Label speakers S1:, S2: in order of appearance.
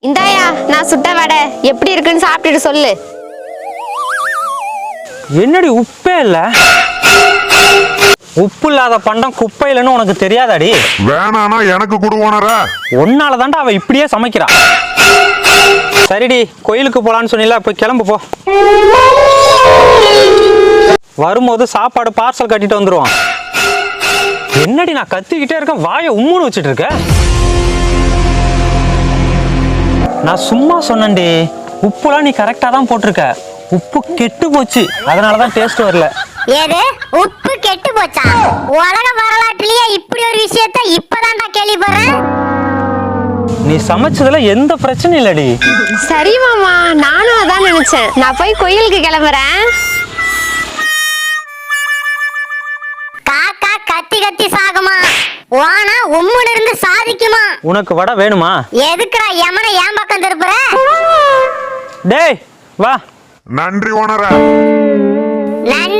S1: இந்தாயா நான் சுட்ட வடை எப்படி இருக்குன்னு சாப்பிட்டுட்டு சொல்லு.
S2: என்னடி உப்பே இல்ல? உப்பு இல்லாத பண்டம் குப்பையிலன்னு உனக்கு தெரியாதாடி?
S3: வேணானா எனக்கு கொடு ஓனரா.
S2: ஒன்னால தாண்டா அவ இப்படியே சமைக்கிறா. சரிடி, கோயிலுக்கு போலான்னு சொன்னீல, போய் கிளம்பு போ. வரும்போது சாப்பாடு பார்சல் கட்டிட்டு வந்துருவான். என்னடி நான் கத்திக்கிட்டே இருக்கேன், வாயை உம்முன்னு வச்சுட்டு இருக்க? நான் சும்மா சொன்னேன்டி, உப்புலாம் நீ கரெக்டா தான் போட்டிருக்க. உப்பு கெட்டு போச்சு, அதனாலதான் டேஸ்ட் வரல.
S4: ஏது உப்பு கெட்டு போச்சா? உலக வரலாற்றுலயே இப்படி ஒரு விஷயத்த இப்பதான்டா கேள்விப்படுறேன்.
S2: நீ சமைச்சதுல எந்த பிரச்சனையும் இல்லடி.
S1: சரி மாமா, நானும் அதான் நினைச்சேன். நான் போய் கோயிலுக்கு கிளம்புறேன்.
S4: காக்கா கத்தி கத்தி சாகுமா, வானா உம்முன்னு இருந்து சாதிக்குமா?
S2: உனக்கு வடை வேணுமா?
S4: எதுக்குடா யமனை ஏன் பக்கம் திருப்புற?
S2: டேய் வா.
S3: நன்றி ஓனரா.
S4: நன்றி